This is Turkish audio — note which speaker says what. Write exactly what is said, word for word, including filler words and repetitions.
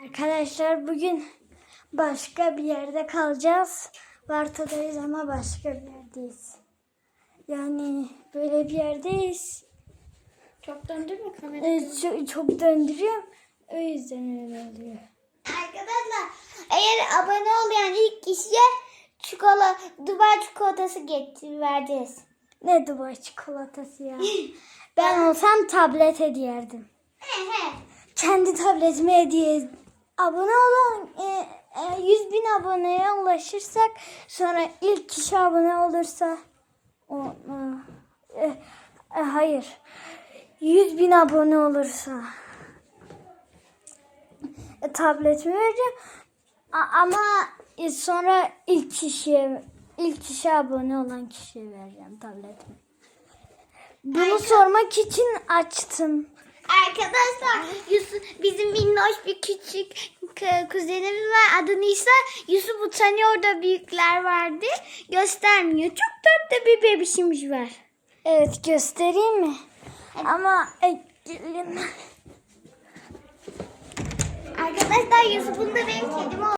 Speaker 1: Arkadaşlar bugün başka bir yerde kalacağız. Varta'dayız ama başka bir yerdeyiz. Yani böyle bir yerdeyiz.
Speaker 2: Çok döndü mü kamera?
Speaker 1: Evet, çok, çok döndürüyorum. O yüzden öyle oluyor.
Speaker 2: Arkadaşlar eğer abone olmayan ilk kişiye çikolata, Dubai çikolatası getir vereceğiz.
Speaker 1: Ne Dubai çikolatası ya. Ben olsam tablet hediye ederdim.
Speaker 2: He he.
Speaker 1: Kendi tabletime hediye. Abone olan e, e, yüz bin aboneye ulaşırsak, sonra ilk kişi abone olursa o, e, e, hayır yüz bin abone olursa e, tabletimi vereceğim. A- ama e, sonra ilk kişiye ilk kişi abone olan kişiye vereceğim tabletimi. Bunu
Speaker 2: Arka-
Speaker 1: sormak için açtım.
Speaker 2: Arkadaşlar Yusuf, bizim minnoş bir küçük k- kuzenimiz var. Adı Nisa. Yusuf utanıyor da büyükler vardı. Göstermiyor. Çok tatlı bir bebişimiz var.
Speaker 1: Evet, göstereyim mi? Ama e, gelin.
Speaker 2: Arkadaşlar Yusuf'un da benim kedim oldu.